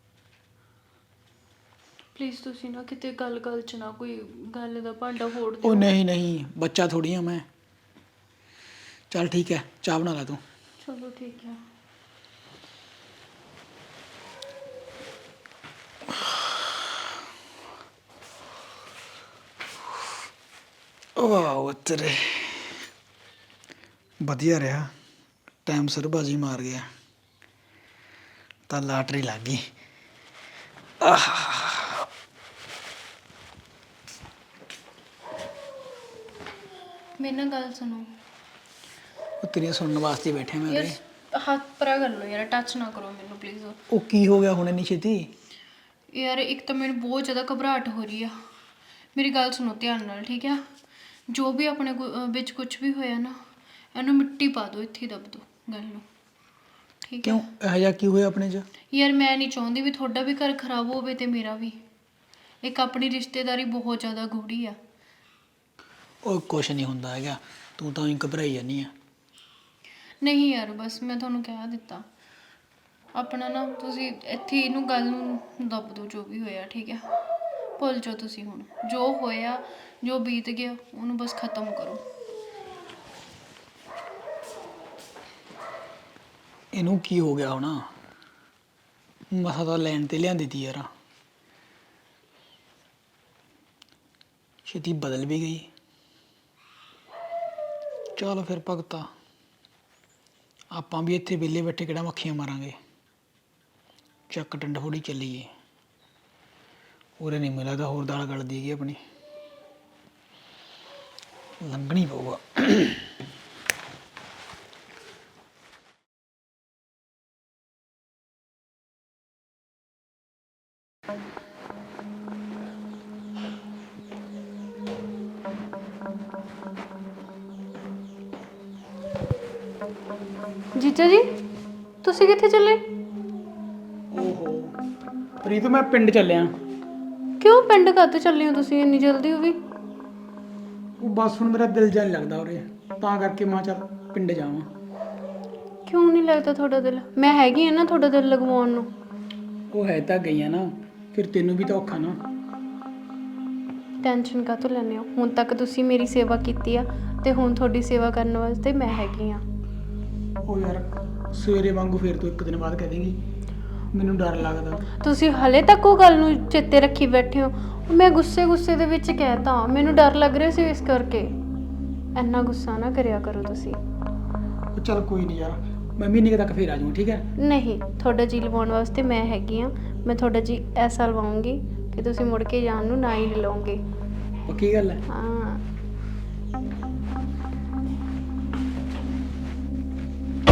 ਪਲੀਜ਼ ਤੁਸੀਂ ਨਾ ਕਿਤੇ ਗੱਲ ਗੱਲ 'ਚ ਨਾ ਕੋਈ ਗੱਲ ਦਾ ਭਾਂਡਾ ਫੋੜ ਉਹ ਦਿਓ। ਨਹੀਂ ਨਹੀਂ, ਬੱਚਾ ਥੋੜੀ ਆ ਮੈਂ। ਚੱਲ ਠੀਕ ਹੈ, ਚਾਹ ਬਣਾ ਲੈ ਤੂੰ। ਚਲੋ ਠੀਕ ਹੈ। ਵਾਹ ਤੇਰੇ ਵਧੀਆ ਰਿਹਾ, ਟਾਈਮ ਸਿਰ ਬਾਜੀ ਮਾਰ ਗਿਆ ਤਾਂ ਲਾਟਰੀ ਲੱਗ ਗਈ। ਆਹ ਮੇਰੇ ਨਾਲ ਗੱਲ ਸੁਣੋ। ਉਹ ਤੇਰੀਆਂ ਸੁਣਨ ਵਾਸਤੇ ਬੈਠੇ ਮੈਂ ਯਾਰ ਉਰੇ। ਹੱਥ ਪਰਾ ਕਰ ਲਓ ਯਾਰ, ਟੱਚ ਨਾ ਕਰੋ ਮੈਨੂੰ ਪਲੀਜ਼। ਉਹ ਕੀ ਹੋ ਗਿਆ ਹੁਣ ਇੰਨੀ ਛੇਤੀ? ਯਾਰ ਇੱਕ ਤਾਂ ਮੈਨੂੰ ਬਹੁਤ ਜ਼ਿਆਦਾ ਘਬਰਾਹਟ ਹੋ ਰਹੀ ਆ। ਮੇਰੀ ਗੱਲ ਸੁਣੋ ਧਿਆਨ ਨਾਲ, ਠੀਕ ਆ? ਜੋ ਵੀ ਆਪਣੇ ਕੋ- ਅਹ ਵਿੱਚ ਕੁਝ ਵੀ ਹੋਇਆ ਨਾ, ਇਹਨੂੰ ਮਿੱਟੀ ਪਾ ਦਿਓ, ਇੱਥੇ ਹੀ ਦੱਬ ਦਿਓ ਗੱਲ ਨੂੰ, ਠੀਕ ਹੈ? ਕਿਉਂ ਇਹੋ ਜਿਹਾ ਕੀ ਹੋਇਆ ਆਪਣੇ 'ਚ? ਯਾਰ ਮੈਂ ਨਹੀਂ ਚਾਹੁੰਦੀ ਵੀ ਤੁਹਾਡਾ ਵੀ ਘਰ ਖਰਾਬ ਹੋਵੇ ਤੇ ਮੇਰਾ ਵੀ। ਇੱਕ ਆਪਣੀ ਰਿਸ਼ਤੇਦਾਰੀ ਬਹੁਤ ਜ਼ਿਆਦਾ ਗੂੜੀ ਆ। ਉਹ ਕੁਛ ਨਹੀਂ ਹੁੰਦਾ ਹੈਗਾ, ਤੂੰ ਤਾਂ ਹੀ ਘਬਰਾਈ ਜਾਂਦੀ ਆ। ਨਹੀਂ ਯਾਰ ਬਸ ਮੈਂ ਤੁਹਾਨੂੰ ਕਹਿ ਦਿੱਤਾ, ਆਪਣਾ ਨਾ ਤੁਸੀਂ ਇੱਥੇ ਹੀ ਇਹਨੂੰ ਗੱਲ ਨੂੰ ਦੱਬ ਦਿਓ ਜੋ ਵੀ ਹੋਇਆ, ਠੀਕ ਹੈ? ਭੁੱਲ ਜਾਓ ਤੁਸੀਂ ਹੁਣ ਜੋ ਹੋਇਆ, ਜੋ ਬੀਤ ਗਿਆ ਉਹਨੂੰ ਬਸ ਖਤਮ ਕਰੋ। ਇਹਨੂੰ ਕੀ ਹੋ ਗਿਆ ਹੋਣਾ, ਮਸਾ ਤਾਂ ਲੈਣ ਤੇ ਲਿਆਂਦੀ ਤੀ ਯਾਰ, ਛੇਤੀ ਬਦਲ ਵੀ ਗਈ। ਚਲ ਫਿਰ ਭਗਤਾ, ਆਪਾਂ ਵੀ ਇੱਥੇ ਵਿਹਲੇ ਬੈਠੇ ਕਿਹੜਾ ਮੱਖੀਆਂ ਮਾਰਾਂਗੇ, ਚੱਕ ਡੰਡੋੜੀ ਚੱਲੀਏ। ਉਰੇ ਨਹੀਂ ਮਿਲਦਾ ਹੋਰ ਦਾਲ ਗਲਦੀ ਹੈਗੀ ਆਪਣੀ, ਲੰਘਣੀ ਪਊਗਾ। ਜੀਜਾ ਜੀ ਤੁਸੀਂ ਕਿੱਥੇ ਚੱਲੇ? ਓਹੋ ਪ੍ਰੀਤ, ਮੈਂ ਪਿੰਡ ਚੱਲਿਆ। ਕਿਉਂ ਪਿੰਡ ਕਾਹਤੋਂ ਚੱਲੇ ਹੋ ਤੁਸੀਂ ਇੰਨੀ ਜਲਦੀ? ਉਹ ਵੀ ਉਹ ਬਸ ਹੁਣ ਮੇਰਾ ਦਿਲ ਜਾ ਨਹੀਂ ਲੱਗਦਾ ਉਰੇ, ਤਾਂ ਕਰਕੇ ਮੈਂ ਕਿਹਾ ਚੱਲ ਪਿੰਡ ਜਾਵਾਂ। ਕਿਉਂ ਨਹੀਂ ਲੱਗਦਾ ਤੁਹਾਡਾ ਦਿਲ? ਮੈਂ ਹੈਗੀ ਆ ਨਾ ਤੁਹਾਡਾ ਦਿਲ ਲਗਵਾਉਣ ਨੂੰ। ਉਹ ਹੈ ਤਾਂ ਗਈਆਂ ਨਾ, ਫਿਰ ਤੈਨੂੰ ਵੀ ਤਾਂ ਔਖਾ ਨਾ। ਟੈਨਸ਼ਨ ਕਾਹਤੋਂ ਲੈਂਦੇ ਹੋ? ਹੁਣ ਤੱਕ ਤੁਸੀਂ ਮੇਰੀ ਸੇਵਾ ਕੀਤੀ ਆ ਤੇ ਹੁਣ ਤੁਹਾਡੀ ਸੇਵਾ ਕਰਨ ਵਾਸਤੇ ਮੈਂ ਹੈਗੀ ਆ। ਉਹ ਯਾਰ ਸਵੇਰੇ ਵਾਂਗੂ ਫਿਰ ਤੂੰ ਇੱਕ ਦਿਨ ਬਾਅਦ ਕਹਿ ਦੇਂਗੀ, ਮੈਨੂੰ ਡਰ ਲੱਗਦਾ। ਤੁਸੀਂ ਹਲੇ ਤੱਕ ਉਹ ਗੱਲ ਨੂੰ ਚੇਤੇ ਰੱਖੀ ਬੈਠੇ ਹੋ। ਮੈਂ ਗੁੱਸੇ ਗੁੱਸੇ ਦੇ ਵਿੱਚ ਕਹਿਤਾ, ਮੈਨੂੰ ਡਰ ਲੱਗ ਰਿਹਾ ਸੀ ਇਸ ਕਰਕੇ। ਇੰਨਾ ਗੁੱਸਾ ਨਾ ਕਰਿਆ ਕਰੋ ਤੁਸੀਂ। ਉਹ ਚੱਲ ਕੋਈ ਨਹੀਂ ਯਾਰ, ਮੈਂ ਮਹੀਨੇ ਕੁ ਤੱਕ ਫਿਰ ਆ ਜਾਊਂ, ਠੀਕ ਹੈ? ਨਹੀਂ, ਤੁਹਾਡਾ ਜੀ ਲਵਾਉਣ ਵਾਸਤੇ ਮੈਂ ਹੈਗੀ ਆ। ਮੈਂ ਤੁਹਾਡਾ ਜੀ ਐਸਾ ਲਵਾਉਂਗੀ ਕਿ ਤੁਸੀਂ ਮੁੜ ਕੇ ਜਾਣ ਨੂੰ ਨਾ ਹੀ ਲਓਗੇ। ਪੱਕੀ ਗੱਲ ਹੈ? ਹਾਂ